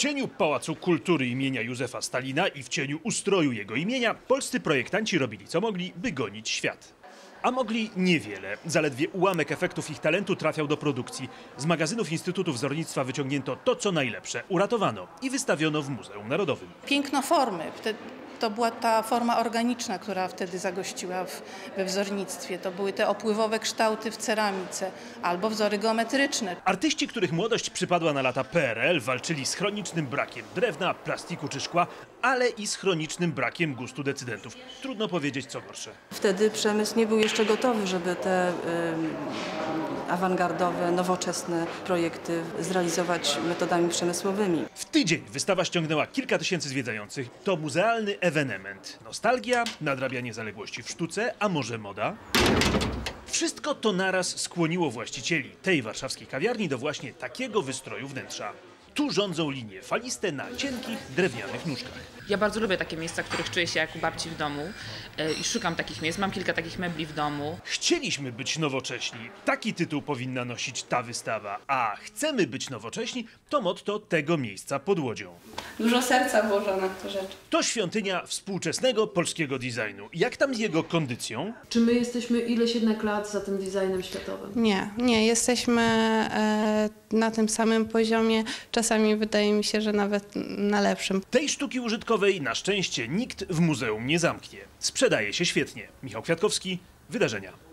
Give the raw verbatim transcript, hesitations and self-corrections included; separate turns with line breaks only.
cieniu Pałacu Kultury imienia Józefa Stalina i w cieniu ustroju jego imienia polscy projektanci robili co mogli, by gonić świat. A mogli niewiele. Zaledwie ułamek efektów ich talentu trafiał do produkcji. Z magazynów Instytutu Wzornictwa wyciągnięto to, co najlepsze. Uratowano i wystawiono w Muzeum Narodowym.
Piękno formy. To była ta forma organiczna, która wtedy zagościła w, we wzornictwie. To były te opływowe kształty w ceramice albo wzory geometryczne.
Artyści, których młodość przypadła na lata P R L, walczyli z chronicznym brakiem drewna, plastiku czy szkła, ale i z chronicznym brakiem gustu decydentów. Trudno powiedzieć, co gorsze.
Wtedy przemysł nie był jeszcze gotowy, żeby te y, awangardowe, nowoczesne projekty zrealizować metodami przemysłowymi.
W tydzień wystawa ściągnęła kilka tysięcy zwiedzających. To muzealny ewenement. Nostalgia, nadrabianie zaległości w sztuce, a może moda? Wszystko to naraz skłoniło właścicieli tej warszawskiej kawiarni do właśnie takiego wystroju wnętrza. Tu rządzą linie faliste na cienkich, drewnianych nóżkach.
Ja bardzo lubię takie miejsca, w których czuję się jak u babci w domu i szukam takich miejsc. Mam kilka takich mebli w domu.
Chcieliśmy być nowocześni. Taki tytuł powinna nosić ta wystawa. A chcemy być nowocześni to motto tego miejsca pod Łodzią.
Dużo serca włożone w te rzeczy.
To świątynia współczesnego polskiego designu. Jak tam z jego kondycją?
Czy my jesteśmy ileś jednak lat za tym designem światowym?
Nie, nie. Jesteśmy e, na tym samym poziomie. Czasami wydaje mi się, że nawet na lepszym.
Tej sztuki użytkowej na szczęście nikt w muzeum nie zamknie. Sprzedaje się świetnie. Michał Kwiatkowski, Wydarzenia.